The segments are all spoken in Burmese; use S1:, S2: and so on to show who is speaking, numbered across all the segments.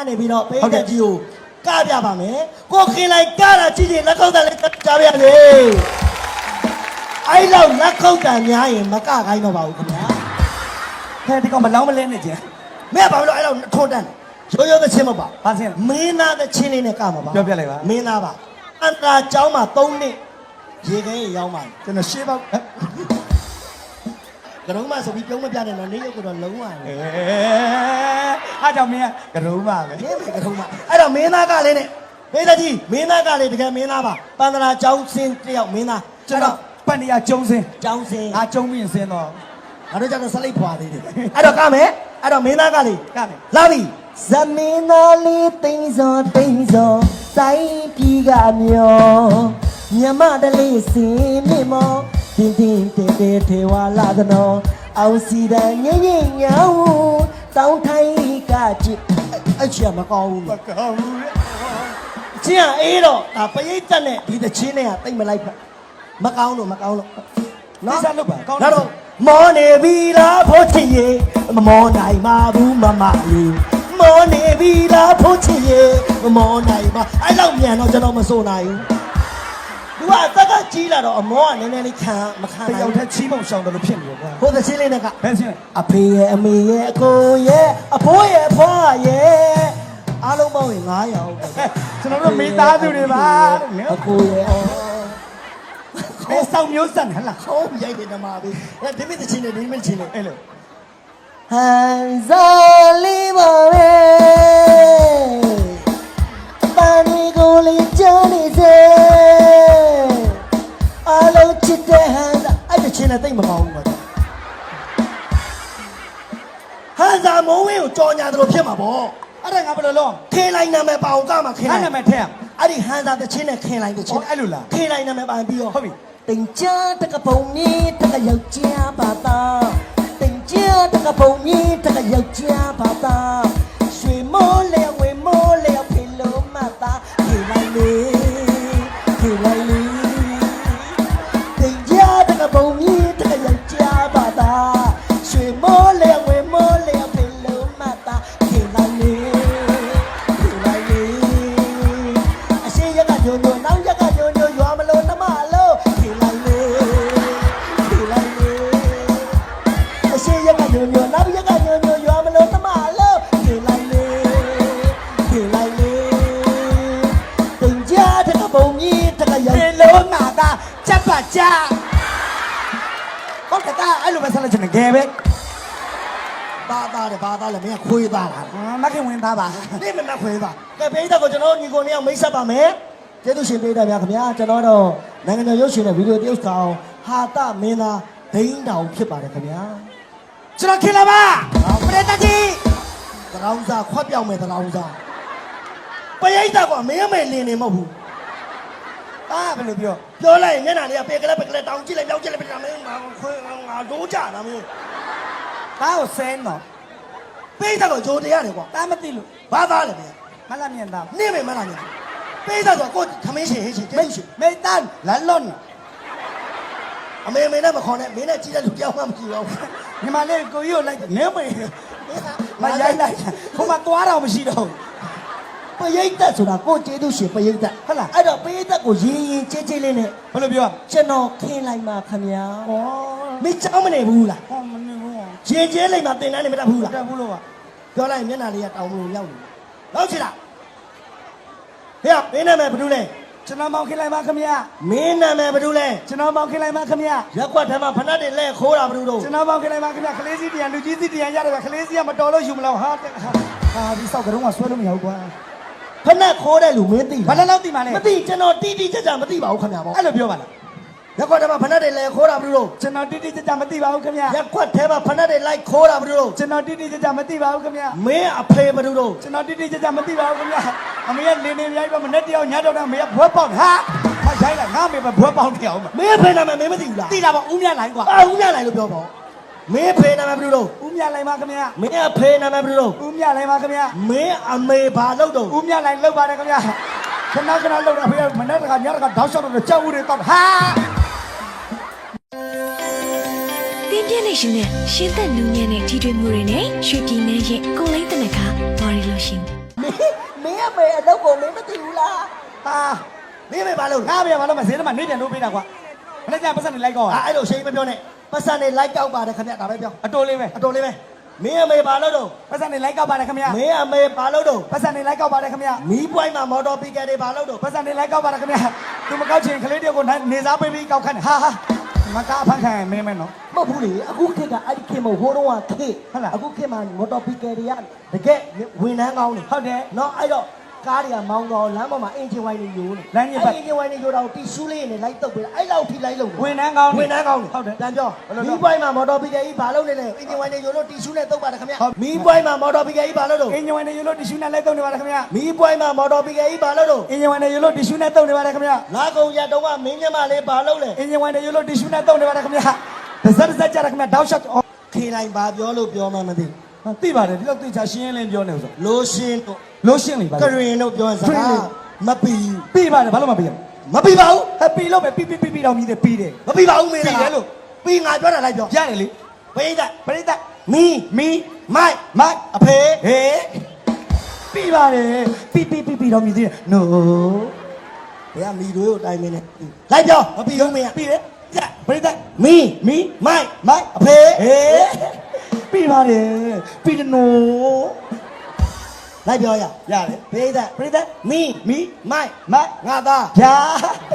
S1: ကနေပြီးတော့ပေးတဲ့ကြီးကိုကပြပါမယ်ကိုခင်လိုက်ကတာကြည့်ရင်လက်ခုပ်တန်လေးကြားပြရလေအဲ့လောက်လက်ခုပ်တန်များရင်မကခိုင်းတော့ပါဘူးခင်ဗျာ
S2: ဟဲ့ဒီကောင်မလောင်းမလဲနဲ့ကျန်
S1: မင်းကဘာလို့အဲ့လောက်ထွန်းတန်းရိုးရိုးသချင်းမပါ
S2: ဘာစင်း
S1: မင်းသားသချင်းလေးနဲ့ကမှာပါ
S2: ပြောပြလိုက်ပါ
S1: မင်းသားပါအန္တရာကျောင်းမှာ3နှစ်ရေခဲရောက်ပါ
S2: ကျွန်တော်ရှေးပေါက်
S1: ကရုံးမဆိုပြီးပြုံးမပြတဲ့တော့နေရုပ်ကတော့လုံးဝ
S2: အားကြောင့်မင်းကကရုံးပါပဲ
S1: မင်းကရုံးမအဲ့တော့မင်းသားကလေးနဲ့မေးတဲ့ကြီးမင်းသားကလေးတကယ်မင်းသားပါပန္ဒရာကျောင်းစင်းတယောက်မင်းသား
S2: ကျွန်တော်ပန္နရာကျုံစင်း
S1: ကျောင်းစင်း
S2: ငါကျုံပြီးစင်းတော့
S1: ငါတို့ကျတော့ဆက်လိုက်ဖွာသေးတယ်အဲ့တော့ကမယ်အဲ့တော့မင်းသားကလေး
S2: ကမယ်
S1: လာပြီဇမင်းသားလေးတိမ်စောတိုင်းပြည်ကမျောမြမတလေးစင်မြမောတင်းတင်းတဲတဲထေဝါလာသနောအောင်စီတန်ငိမ့်ငိမ့်ညောင်းတောင်းထိုင်းကကြည့်အချင်မကောင်းဘူး
S2: မကောင်းဘူး
S1: ကျင်းအေးတော့ဒါပရိသတ်နဲ့ဒီတချင်းနဲ့ကတိတ်မလိုက်ဖက်မကောင်းလို့
S2: နော်စားလုပ်ပါကောင်း
S1: တော့မောနေပြီလားဖို့ချင်ရေမမောနိုင်ပါဘူးမမလေးမောနေပြီလားဖို့ချင်ရေမမောနိုင်ပါအဲ့လောက်မြန်တော့ကျွန်တော်မစိုးနိုင်ဘူးသူကအသက်ကကြီးလာတော့အမောကနည်းနည်းလေးခံမခံ
S2: နိုင်ဘူးတယောက်တည်းချီးမုံဆောင်တယ်လို့ဖြစ်နေရောကွာ
S1: ဟိုသချင်းလေးနဲ့က
S2: ဘယ်ချင်း
S1: အဖေရဲ့အမေရဲ့အကိုရဲ့အဖိုးရဲ့အဖွားရဲ့အားလုံးပေါင်းရင်900ရောက်ပဲ
S2: ကျွန်တော်တို့မိသားစုတွေပါ
S1: အကိုရဲ့
S2: ဘယ်ဆောင်မျိုးစံဟလား
S1: ခေါင်းရိုက်တယ်ဓမ္မပဲဒီမိသချင်းနဲ့ဒီမိသချင်းနဲ့
S2: အဲ့လို
S1: ဟန်ဇာလီပါပဲပန်းဒီကိုလေးကြားနေစေအားလုံးချစ်တဲ့ဟန်ဇာအဲ့ဒီချင်းနဲ့တိတ်မကောင်းဘူးပါဟန်ဇာမုံဝင်းကိုကြော်ညာတယ်လို့ဖြစ်မှာပေါ့
S2: အဲ့ဒါငါဘယ်လိုလုပ်
S1: ခေလိုက်နာမည်ပါအောင်ကမှာခေလိုက်
S2: နာမည်ထည့်
S1: အဲ့ဒီဟန်ဇာတချင်းနဲ့ခေလိုက်တချင်း
S2: အဲ့လိုလား
S1: ခေလိုက်နာမည်ပါပြီးတော့
S2: ဟုတ်ပြီ
S1: တင်ကြတကပုံကြီးတကယောက်ျားပါသားတင်ကြတကပုံကြီးတကယောက်ျားပါသားရွှေမိုးလေဝေမိုးလေဖေလုံးမသားခေလိုက်လေတင်ကြတကပုံကြီးတကယောက်ျားပါသားရွှေမိုးလေဝေမိုးလေဖေလုံးမသားခေလိုက်လေအရှိရကညိုညိုနောက်ရကညိုညိုရွာမလို့နှမလို့ခေလိုက်လေအရှိရကညိုညိုနောက်ရကညိုညိုရွာမလို့နှမလို့ခေလိုက်လေတင်ကြတဲ့ကပုံကြီးတကရောက်
S2: ဖေလုံးငါသားချက်ပါချဟုတ်ကဲ့အဲ့လိုပဲဆက်လက်ချင်တယ်ငယ်ပဲ
S1: ဘာသားလဲမင်းခွေးသားလား
S2: မခင်ဝင်သားပါ
S1: နေမခွေးသားကဲပိဋကကိုကျွန်တော်ညီကိုနှစ်ယောက်မိတ်ဆက်ပါမယ်ကျေးဇူးရှင်ပိဋကဗျာခင်ဗျာကျွန်တော်တော့နိုင်ငံတော်ရုပ်ရှင်နဲ့ဗီဒီယိုတရုပ်ဆောင်ဟာတမင်းသားဒိန်းတောင်ဖြစ်ပါတယ်ခင်ဗျာ
S2: ကျွန်တော်ခင်လာပါပရိသတ်ကြီး
S1: သရောင်းစားခွက်ပြောင်းမယ်သရောင်းစားပရိသတ်ကမင်းအမေလင်းနေမဟုတ်ဘူး
S2: ဘယ်လို
S1: ပြောလိုက်ရင်မျက်နှာလေးကပေကလေးတောင်းကြည့်လိုက်ပြောင်းကြည့်လိုက်ပြတာမင်းခွေးငါဒိုးကြတာမင်း
S2: ကိုဆင်းတော့
S1: ပိဋကကိုဂျိုတရားတယ်ကွာ
S2: မသိလို့
S1: ဘာသားလဲဗျာ
S2: မလာမြင်သား
S1: နေမယ်မလားမြင်ပိဋကဆိုကိုသမင်းရှင်ဟင်းရှင်ကျေးဇူးရှင်
S2: မေတန်းလလွန်
S1: အမေနဲ့မခေါ်နဲ့မင်းနဲ့ကြည့်တဲ့လူကြောက်မှမကြည့်တော့
S2: ညီမလေးကိုကြီးကိုလိုက်နေမေမရိုက်လိုက်ဟိုမှာသွားတော့မရှိတော့
S1: ပရိသတ်ဆိုတာကိုကျေးဇူးရှင်ပရိသတ်
S2: ဟုတ်လား
S1: အဲ့တော့ပရိသတ်ကိုရင်ကျေးကျေးလေးနဲ့
S2: ဘယ်လိုပြော
S1: ကျွန်တော်ခင်းလိုက်ပါခင်ဗျာမင်းကြောက်မနေဘူးလား
S2: မနေဘူး
S1: ရင်ကျေးလိုက်မှတင်တန်းနေမတတ်ဘူးလား
S2: တတ်ဘူးလို့ပါ
S1: ပြောလိုက်မျက်နှာလေးကတောင်းလို့ရောက်နေလောက်ချင်လားဟေ့မင်းနာမည်ဘယ်သူလဲ
S2: ကျွန်တော်မောင်ခင်လိုက်ပါခင်ဗျာ
S1: မင်းနာမည်ဘယ်သူလဲ
S2: ကျွန်တော်မောင်ခင်လိုက်ပါခင်ဗျာ
S1: ရက်ကွက်ထဲမှာဖဏတ်တွေလဲခိုးတာဘယ်သူတို့
S2: ကျွန်တော်မောင်ခင်လိုက်ပါခင်ဗျာခလေးစီးတရားလူကြီးစီးတရားရတယ်ဗျခလေးစီးကမတော်လို့ယူမလို့ဟာဒီစောက်ကတော့ဆွဲလို့မရဘူးကွာ
S1: ဖဏတ်ခိုးတဲ့လူမင်းသိ
S2: ဘာလို့သိမှလဲ
S1: မသိကျွန်တော်တိကျမသိပါဘူးခင်ဗျာပေါ့
S2: အဲ့လိုပြောပါလား
S1: ရက်ကွက်ထဲမှာဖဏတ်တွေလဲခိုးတာဘယ်သူတို့
S2: ကျွန်တော်တိကျမသိပါဘူးခင်ဗျာ
S1: ရက်ကွက်ထဲမှာဖဏတ်တွေလိုက်ခိုးတာဘယ်သူတို့
S2: ကျွန်တော်တိကျမသိပါဘူးခင်ဗျာ
S1: မင်းအဖေဘယ်သူတို့
S2: ကျွန်တော်တိကျမသိပါဘူးခင်ဗျာအမေကလင်းနေရိုက်ပါမနဲ့တယောက်ညတော့တာမေကဘွဲပေါက်ဟာမရိုက်လိုက်ငါမေပဲဘွဲပေါက်တယောက်
S1: မင်းဖေနာမည်မင်းမသိဘူးလား
S2: သိတာပေါ့ဦးမြလိုက်ကွာ
S1: ဦးမြလိုက်လို့ပြောပေါ့မင်းဖေနာမည်ဘယ်သူတို့
S2: ဦးမြလိုက်ပါခင်ဗျာ
S1: မင်းအဖေနာမည်ဘယ်သူတို့
S2: ဦးမြလိုက်ပါခင်ဗျာ
S1: မင်းအမေဘာလုပ်တော့
S2: ဦးမြလိုက်လုပ်ပါတယ်ခင်ဗျာခဏလုပ်တာဖေကမနဲ့တခါညတခါတောက်လျှောက်တော့ကြောက်ဦးတွေတော့ဟာ
S3: တင်းပြည့်နေရှင်နဲ့ရှင်းသက်နူးညံ့တဲ့ထီထွေးမှုတွေနဲ့ရွှေပြည်နယ်ရဲ့ကိုလိမ့်တဲ့ခါဘာရီလို့ရှင်
S1: မင်းအမေအလုပ်ကိုမင်းမသိဘူးလား
S2: ဟာ
S1: မင်းအမေဘာလုပ်
S2: ငါမရဘာလို့မဈေးထဲမှာနေပြန်လို့ပေးတာကွာမနေ့ကပတ်စံနေလိုက်ကော
S1: အဲ့လိုရှိမပြောနဲ့ပတ်စံနေလိုက်ကောက်ပါတယ်ခင်ဗျဒါပဲပြော
S2: အတိုးလေးပဲ
S1: အတော်လေးပဲမင်းအမေဘာလုပ်တော့
S2: ပတ်စံနေလိုက်ကောက်ပါတယ်ခင်ဗျာ
S1: မင်းအမေဘာလုပ်တော့
S2: ပတ်စံနေလိုက်ကောက်ပါတယ်ခင်ဗျာ
S1: မီးပွိုင်းမှာမော်တော်ပီကယ်တွေဘာလုပ်တော့
S2: ပတ်စံနေလိုက်ကောက်ပါတယ်ခင်ဗျာသူမကောက်ချင်ကလေးတယောက်ကိုနေစားပေးပြီးကောက်ခန့်ဟာမကားဖန်ခံမင်းမဲနော်
S1: မဟုတ်ဘူးလေအခုခေတ်ကအဲ့ဒီခေတ်မဟုတ်ဟိုတော့ကခေတ်
S2: ဟုတ်လား
S1: အခုခေတ်မှာမော်တော်ပီကယ်တွေကတကယ်ဝန်ထမ်းကောင်းနေ
S2: ဟုတ်တယ်
S1: နော်အဲ့တော့ကားတွေကမောင်းတော့လမ်းပေါ်မှာအင်ဂျင်ဝိုင်းတွေယိုးနေ
S2: လမ်းကြီးပတ်
S1: အင်ဂျင်ဝိုင်းတွေယိုးတော့တီရှူးလေးနဲ့လိုက်တုပ်ပေးတာအဲ့လောက်ထိလိုက်လို့
S2: ဝန်ထမ်းကောင်း
S1: ဝန်ထမ်းကောင်းနေ
S2: ဟုတ်တယ်
S1: တန်ပြော
S2: ဘယ်လို
S1: မီး
S2: လုပ်
S1: ပွိုင်းမှာမော်တော်ပီကယ်ကြီးဘာလုပ်နေလဲအင်ဂျင်ဝိုင်းတွေယိုးလို့တီရှူးနဲ့တုပ်ပါတယ်ခင်ဗျ
S2: ဟုတ်
S1: မီးပွိုင်းမှာမော်တော်ပီကယ်ကြီးဘာလုပ်တော့
S2: အင်ဂျင်ဝင်နေရလို့တီရှူနဲ့လိုက်တော့နေပါတယ်ခင်ဗျာ
S1: မီးပွိုင်းမှာမော်တော်ပီကယ်ကြီးဘာလုပ်တော့
S2: အင်ဂျင်ဝင်နေရလို့တီရှူနဲ့တုံနေပါတယ်ခင်ဗျာ
S1: လာကုန်ရတော့ကမင်းမြမလေးဘာလုပ်လဲ
S2: အင်ဂျင်ဝင်နေရလို့တီရှူနဲ့တုံနေပါတယ်ခင်ဗျာတစ်စက်ကြရခင်ဗျာတောက်ရှော့
S1: ခေတိုင်းဘာပြောလို့ပြောမှမသိ
S2: သိပါတယ်ဒီလောက်သိချာရှင်းရင်းလင်းပြောနေဆို
S1: လိုရှင်တို့
S2: လို့ရှင်းလေပါ
S1: ကရင်တို့ပြောစကားမပီဘူး
S2: ပြီးပါတယ်ဘာလို့မပြီးရ
S1: မပီပါဘူး
S2: ဟဲ့ပြီးလို့ပဲပြီးတော့မြည်တယ်ပြီးတယ်
S1: မပီပါဘူးမင်း
S2: ပြီးတယ်လို့
S1: ပြီးငါပြောတာလိုက်ပြော
S2: ရတယ်လေ
S1: ဘိဒတ်
S2: ပရိသတ်
S1: မီ
S2: မီ
S1: မိုက်
S2: မိုက်
S1: အဖေ
S2: ဟေးပြီးပါတယ်ပြီးတော့မြည်တယ် no
S1: ဘယ်ကမီတို့ကိုတိုင်မင်းနဲ့လိုက်ပြောမပီဘူးမင်းက
S2: ပြီးတယ်ကြပရိသတ်
S1: မီ
S2: မီ
S1: မိုက်
S2: မိုက်
S1: အဖေ
S2: ဟေးပြီးပါတယ်ပြီးတယ် no
S1: လိုက်ပြောရ
S2: ရတယ်
S1: ဘိဒတ်
S2: ပရိသတ်
S1: မီ
S2: မီ
S1: မိုက်
S2: မိုက်
S1: ငါသား
S2: ဗျာ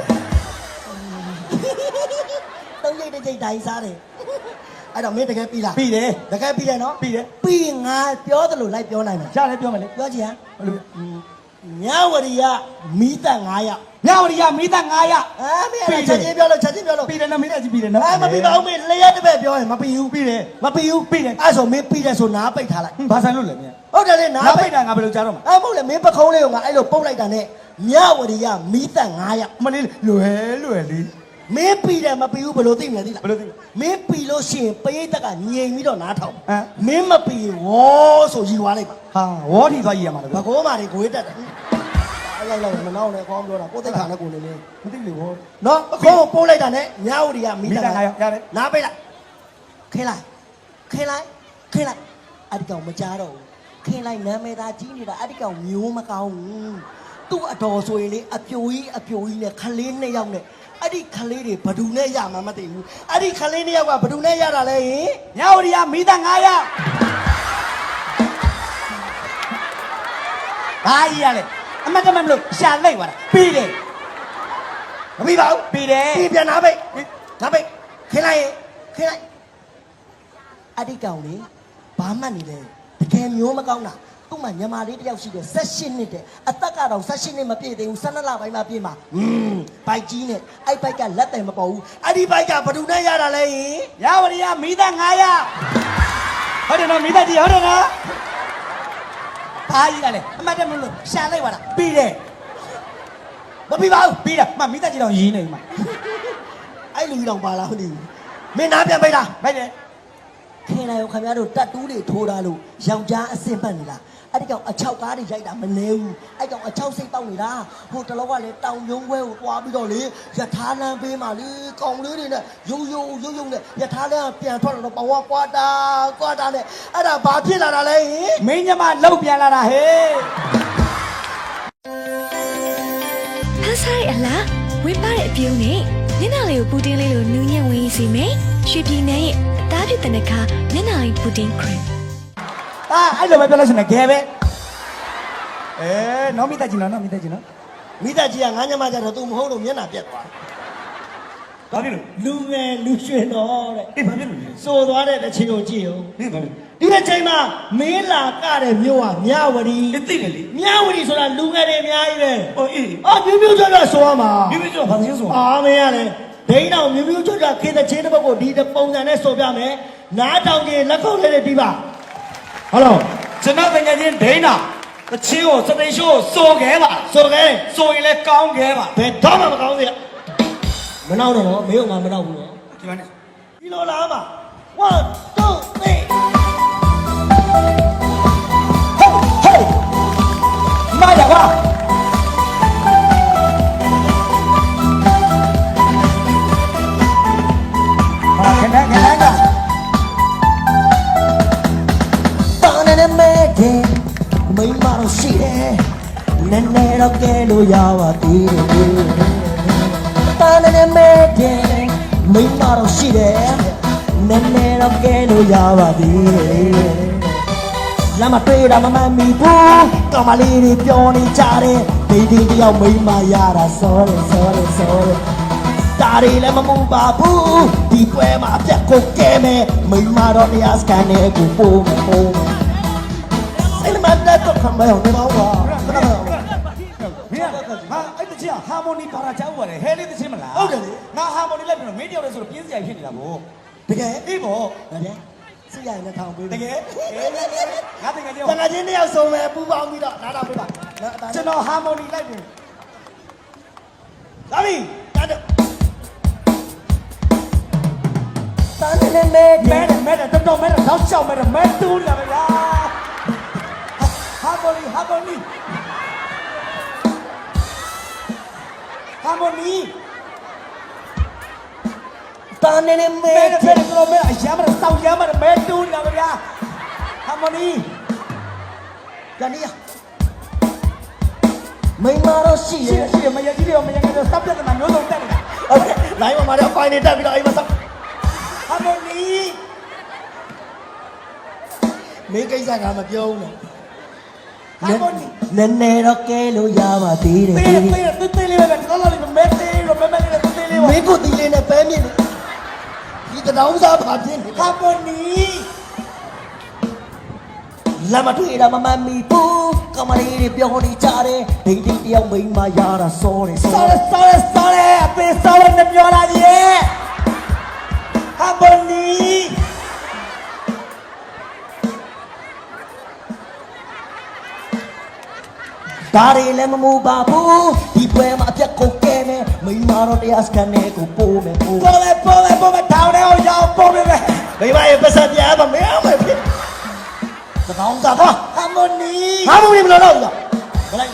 S1: သုံးရိတ်တစ်ချိန်တိုင်းစားတယ်အဲ့တော့မင်းတကယ်ပြီလား
S2: ပြီးတယ်
S1: တကယ်ပြီတယ်နော်
S2: ပြီးတယ်
S1: ပြီးငါပြောသလိုလိုက်ပြောနိုင်မယ်
S2: ရတယ်ပြောမယ်လေ
S1: ပြောချင်ဟမ်
S2: ဘယ်လို
S1: မြဝရီကမီးတက်9ရောက်
S2: မြဝတီကမိသား900
S1: မင်းအဲ့ချက်ချင်းပြောလို့ချက်ချင်းပြောလို့
S2: ပြီးတယ်နော်မိသားကြီးပြီးတယ်နော်
S1: မပြီးပါဘူးမင်းလျှက်တစ်ပည့်ပြောရင်မပြီးဘူး
S2: ပြီးတယ်
S1: မပြီးဘူး
S2: ပြီးတယ်
S1: အဲ့ဆိုမင်းပြီးတယ်ဆိုနားပိတ်ထားလိုက်
S2: ဘာဆိုင်လို့လဲမြ
S1: ဟုတ်တယ်လေနား
S2: နား
S1: ပိ
S2: ပိ
S1: တ်
S2: တ်တာငါဘယ်လိုကြားတော့မှာ
S1: အဲ့မဟုတ်လေမင်းပခုံးလေးကငါအဲ့လိုပုတ်လိုက်တာနဲ့မြဝရီကမီးတက်9ရောက်
S2: မလေးလွယ်လေး
S1: မင်းပြီးတယ်မပြီးဘူးဘယ်လိုသိမလဲသိလား
S2: ဘယ်လိုသိလဲ
S1: မင်းပြီးလို့ရှိရင်ပရိသတ်ကငြိမ်ပြီးတော့နားထောင်
S2: ဟမ်
S1: မင်းမပြီးရင်ဝေါဆိုယူသွားလိုက်ပါ
S2: ဟာဝေါ်ထီသွားကြည့်ရမှာလေ
S1: ဘကောမာတွေကိုေးတက်တယ်အဲ့လိုက်မနောက်နဲ့ကောင်းပြောတာကိုသိခါနဲ့ကိုနေနေ
S2: မသိလေဝေါ်
S1: နော်ပခုံးကိုပိုးလိုက်တာနဲ့မြဝရီကမီးတက်
S2: 900ရတယ်
S1: နားပိတ်လိုက်ခင်းလိုက်အဲ့ဒီကောင်မကြားတော့ဘူးခင်းလိုက်နာမည်သားကြီးနေတာအဲ့ဒီကောင်မျိုးမကောင်းဘူးသူ့အတော်ဆိုရင်လေအပြိုကြီးနဲ့ခလေး2ယောက်နဲ့အဲ့ဒီခလေးတွေဘဒူနဲ့ရမှာမသိဘူးအဲ့ဒီခလေး2ယောက်ကဘဒူနဲ့ရတာလဲဟင်
S2: မြဝတီကမိသား900ဘာကြီးရလဲအမတ်တမမလို့ရှာလိုက်သွားတာပြီးတယ်
S1: မပြီးပါဘူး
S2: ပြီးတယ်
S1: ပြီးပြန်နားပိတ်ခင်းလိုက်အဲ့ဒီကောင်လေဘာမှတ်နေလဲတကယ်မျိုးမကောင်းတာသူ့မှာညမာလေးတယောက်ရှိတယ်18နှစ်တဲ့အသက်ကတော့18နှစ်မပြည့်သေးဘူး12လပိုင်းမှပြည့်မှာဘိုက်ကြီးနဲ့အဲ့ဘိုက်ကလက်တယ်မပေါ်ဘူးအဲ့ဒီဘိုက်ကဘဒူနဲ့ရတာလဲဟင်
S2: မြဝတီကမိသား900ဟုတ်တယ်နော်မိသားကြီးဟုတ်တယ်နော်ဘာကြီးရလဲအမတ်တမလို့ရှာလိုက်သွားတာပြီးတယ်
S1: မပြီးပါဘူး
S2: ပြီးတာမမိသားကြီးတော့ရင်းနေမှာ
S1: အဲ့လူကြီးတော့ပါလားမသိဘူးမင်းနားပြန်ပိတ်လား
S2: မိုက်တယ်
S1: ခင်လိုက်ရောခင်ဗျားတို့တက်တူးတွေထိုးထားလို့ယောက်ျားအစင်ပတ်နေလားအဲ့ဒီကောင်အချောက်ကားတွေရိုက်တာမနေဘူးအဲ့ကောင်အချောက်စိတ်တောက်နေတာဟိုတလောကလည်းတောင်ယုံခွဲကိုတွားပြီးတော့လေယထာလန်းပေးမှလေကောင်လေးတွေနဲ့ရုံနဲ့ယထာလန်းပြန်ထွက်တော့ပေါ်ကွာတာနဲ့အဲ့ဒါဘာဖြစ်လာတာလဲဟင်
S2: မင်းညမလောက်ပြန်လာတာဟဲ့
S3: ဖန်ဆိုင်အလားဝင်ပါတဲ့အပြုံးနဲ့မျက်နှာလေးကိုပူတင်းလေးလိုနူးညံ့ဝင်စီမယ်ရွှေပြည်နယ်ရဲ့အသားဖြစ်တဲ့နခါမျက်နှာလေးပူတင်းခရင်
S2: အဲ့လိုပဲပြောလို့ရှိရင်ဂဲပဲနော်မိသားကြီးနော်မိသားကြီးနော်
S1: မိသားကြီးကငါညမကြတော့ तू မဟုတ်လို့မျက်နှာပြက်သွား
S2: ဘာဖြစ်လို့
S1: လူငယ်လူရွှင်တော့တဲ့
S2: အေးဘာဖြစ်လို့လဲ
S1: စိုးသွားတဲ့တစ်ချိန်ကိုကြည့်အောင်
S2: နင်းဘာဖြစ်
S1: ဒီတစ်ချိန်မှာမင်းလာကတဲ့မြို့ကမြဝတီ
S2: လဲသိတယ်လေ
S1: မြဝတီဆိုတာလူငယ်တွေအများကြီးပဲ
S2: ဟိုအေး
S1: အော်မြူးမြူးကြောက်ဆိုရမှာ
S2: မိမိတို့ဘာသိဆို
S1: အာမင်းရလေဒိန်းတော်မြူးမြူးကြောက်ခေတဲ့ချင်းတစ်ပုတ်ကိုဒီပုံစံနဲ့ဆိုပြမယ်နားတောင်ကြီးလက်ခုပ်လေးတွေတီးပါဟုတ်လား
S2: ကျွန်တော်တကယ်ချင်းဒိန်းတာတချင်းကိုစတိန်ရှိုးစိုးခဲပါ
S1: ဆိုခဲ့
S2: စိုးရင်လည်းကောင်းခဲပါ
S1: ဘယ်တော့မှမကောင်းသေးမနောက်တော့မင်းကငါမနောက်ဘူးနော်
S2: ဒီမှာနဲ့
S1: ဒီလိုလားမှာ1 2 3
S2: ဟေးမာရပါဟာခဏက
S1: ပါနေမဲတဲ့မိမတော့ရှိတယ်နည်းနည်းတော့ကဲလို့ရပါသေးတယ်တာနဲ့မဲတယ်မိမတော့ရှိတယ်နည်းနည်းတော့ကဲလို့ရပါသေးတယ်လမ်းမတွေ့တာမမှန်မိဘူးကောင်မလေးတွေပြောနေကြတယ်ဒီဒီတယောက်မိမရတာ sorry ဒါရီလည်းမမူပါဘူးဒီပွဲမှာအပြတ်ကိုကဲမယ်မိမတော့တရားစကန်နဲ့ကိုပို့မယ်စိတ်မတတ်တော့ခမရောနေပါဦး
S2: မင်းဟာအဲ့တချင်ဟာမိုနီပါရာချောက်ပါတယ်ဟဲလေးတချင်မလားဟုတ်တယ်လေငါဟာမိုနီလိုက်ပြီးတော့မင်းတယောက်လေးဆိုတော့ပြင်းစရာဖြစ်နေတာဗော
S1: တကယ်
S2: အေးဗော
S1: ဟုတ်တယ်စိတ်ရရင်ထောင်ပေး
S2: တကယ်ငါတကယ်တယောက်
S1: တကယ်ချင်းတယောက်ဆုံးမယ်ပူပေါင်းပြီးတော့နားထောင်ပေးပါ
S2: ကျွန်တော်ဟာမိုနီလိုက်ပြီလာပြီတန်း
S1: တန်းနေနေ
S2: မဲတော်တော်မဲတော့ရှောက်မဲမဲတူးလာပဲလားဟာမိုနီဟာမိုနီ
S1: တန်းနေနေမဲ
S2: မဲတော်မဲအရမ်းမစောက်ရမ်းမမဲတူးလာပဲလားဟာမိုနီ
S1: ကနီယာမိမတော့ရှိရ
S2: ရှိရမရကြီးရောမရကြီးရောစပ်ပြတ်တယ်မျိုးစုံတက်နေတာ
S1: ဟုတ်ကဲ့လိုင်းပေါ်မှာတော့ဖိုင်နေတက်ပြီးတော့အိမ်မှာစ
S2: ဟာမိုနီ
S1: မင်းကိစ္စကမပြောဘူးနော်
S2: ဟာမိုနီ
S1: နည်းနည်းတော့ကဲလို့ရပါသေးတယ်
S2: တေးလေးပဲတော်တော်လေးမဲတေးရောမဲလေးတေးလေးပါ
S1: မင်းကိုတီလေးနဲ့ပဲမြင့်နေဒီတနောင်းစားပါပြင်းနေ
S2: ဟာမိုနီ
S1: လမ်းမတွေ့တာမမှန်မီဘူးကမလေးတွေပြောနေကြတယ်ဒိတ်ဒိတ်တယောက်မိန်းမရတာစောတယ်
S2: sorry အသေး sorry နဲ့ပြောလာကြီးဟာမိုနီ
S1: ဒါရီလည်းမမူပါဘူးဒီပွဲမှာအပြတ်ကိုကဲမယ်မိန်းမတော့တရားစကန်နဲ့ကိုပို့မယ်ပို့
S2: ပေါ်မယ်ထောင်းထဲအောင်ရောက်ပေါ်မယ်
S1: မိမရဲ့ပတ်စံပြားမမဲအောင်မယ်ဖြစ်တနောင်းစားပါ
S2: ဟာမိုနီ
S1: ဟာမလို့မလို့တော့ဘလိုက်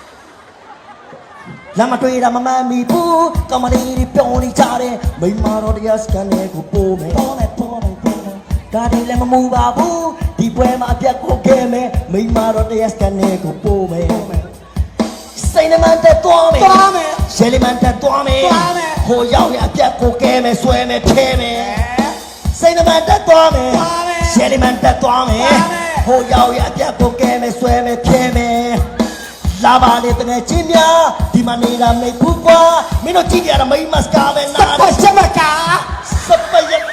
S1: လမ်းမတွေ့တာမမှန်မီဘူးကမလေးတွေပြောနေကြတယ်မိန်းမတော့တရားစကန်နဲ့ကိုပို့မယ်ဒါဒီလည်းမမူပါဘူးဒီပွဲမှာအပြတ်ကိုကဲမယ်မိန်းမတော့တရားစကန်နဲ့ကိုပို့မယ်စိတ်နှမတက်သွားမယ်ရှယ်လီမန်တက်သွားမယ်ဟိုရောက်ရအပြတ်ကိုကဲမယ်ဆွဲမယ်ထဲမယ်စိတ်နှမတက်သွားမယ်ရှယ်လီမန်တက်သွားမယ်ဟိုရောက်ရအပြတ်ကိုကဲမယ်ဆွဲမယ်ထဲမယ်လာပါလေတကယ်ချင်းများဒီမှာနေတာမိတ်ဘူးကွာမင်းတို့ကြည့်ကြရတာမိမစကားပဲနား
S2: ပတ်ချက်မကာ
S1: စပယက်